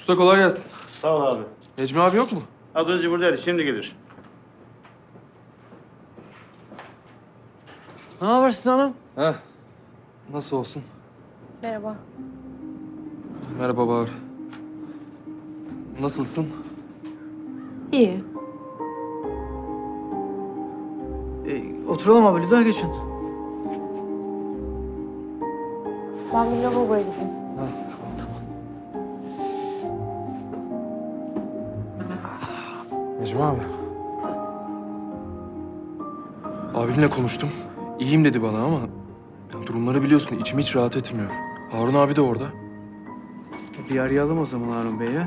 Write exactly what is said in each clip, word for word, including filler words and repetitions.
Usta kolay gelsin. Sağ ol abi. Necmi abi yok mu? Az önce buradaydı, şimdi gelir. Ne haber Sinan'ım? Heh. Nasıl olsun? Merhaba. Merhaba Bahar. Nasılsın? İyi. E, oturalım abi, daha geçin. Ben bir lavaboya gideyim. Necmi abi. Abimle konuştum. İyiyim dedi bana ama ya durumları biliyorsun, içim hiç rahat etmiyor. Harun abi de orada. Bir arayalım o zaman Harun Bey'e.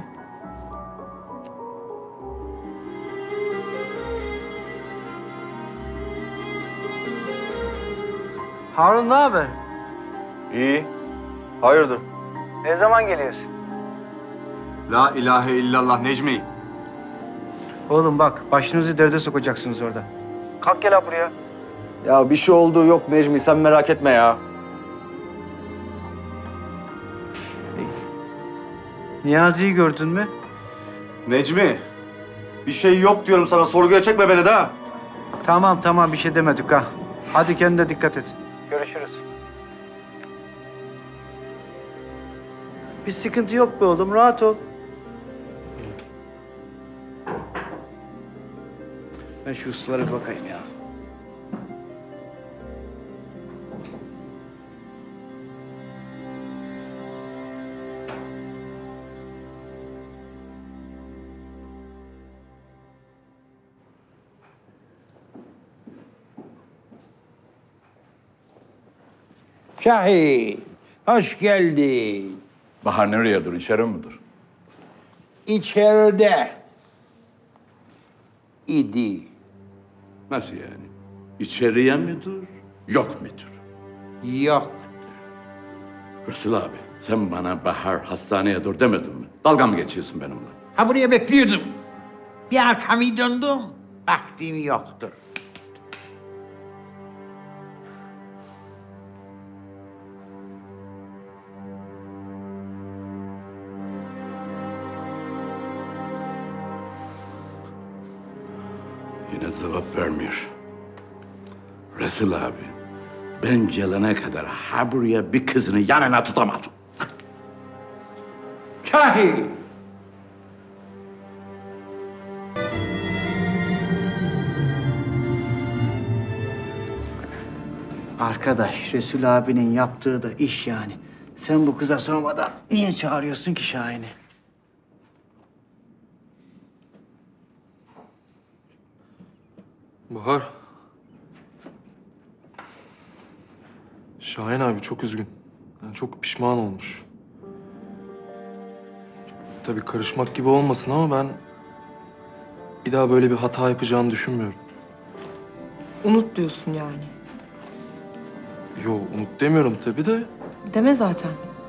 Harun ne haber? İyi. Hayırdır? Ne zaman geliyorsun? La ilahe illallah Necmi. Oğlum bak, başınızı derde sokacaksınız orada. Kalk gel abi buraya. Ya bir şey olduğu yok Necmi, sen merak etme ya. Niyazi'yi gördün mü? Necmi, bir şey yok diyorum sana, sorguya çekme beni de. Tamam tamam, bir şey demedik ha. Hadi kendine dikkat et. Görüşürüz. Bir sıkıntı yok be oğlum, rahat ol. Ben şu uslulara bir bakayım ya. Şahin, hoş geldin. Bahar nereye dur? İçeri mi dur? İçeride idi. Nasıl yani? İçeriye mi dur? Yok mudur? Yok. Resul abi, sen bana Bahar hastaneye dur demedin mi? Dalga mı geçiyorsun benimle? Ha buraya bekliyordum. Bir arkamı döndüm. Vaktim yoktur. Yine cevap vermiyor. Resul abi, ben gelene kadar ha buraya bir kızını yanına tutamadım. Şahin. Arkadaş, Resul abinin yaptığı da iş yani. Sen bu kıza sormadan niye çağırıyorsun ki Şahin'i? Bahar. Şahin abi çok üzgün. Yani çok pişman olmuş. Tabii karışmak gibi olmasın ama ben bir daha böyle bir hata yapacağını düşünmüyorum. Unut diyorsun yani. Yo, unut demiyorum tabii de. Deme zaten.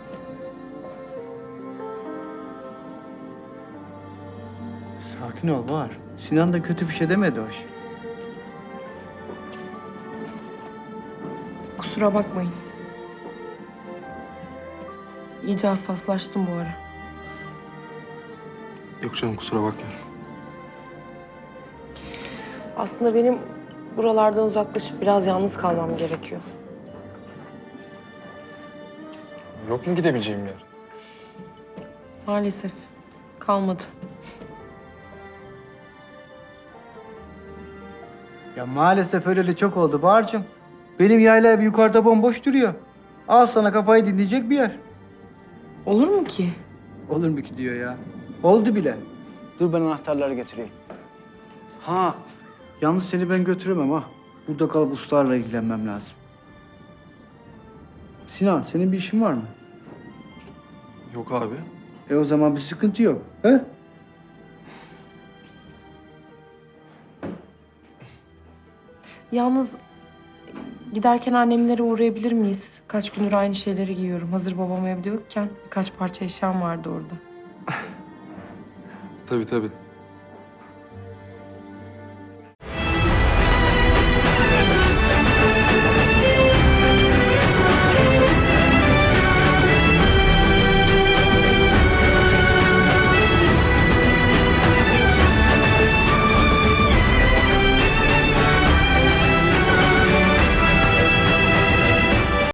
Sakin ol Bahar. Sinan da kötü bir şey demedi hoş. Kusura bakmayın. İyice hassaslaştım bu ara. Yok canım, kusura bakmıyorum. Aslında benim buralardan uzaklaşıp biraz yalnız kalmam gerekiyor. Yok mu gidebileceğim yer? Maalesef kalmadı. Ya maalesef öyleli çok oldu Bahar'cığım. Benim yayla ev yukarıda bomboş duruyor. Al sana kafayı dinleyecek bir yer. Olur mu ki? Olur mu ki diyor ya. Oldu bile. Dur ben anahtarları getireyim. Ha, yalnız seni ben götüremem ha. Burada kalıp ustalarla ilgilenmem lazım. Sinan, senin bir işin var mı? Yok abi. E o zaman bir sıkıntı yok. He? Yalnız giderken annemlere uğrayabilir miyiz? Kaç gündür aynı şeyleri giyiyorum. Hazır babam evde yokken birkaç parça eşyam vardı orada. Tabii tabii.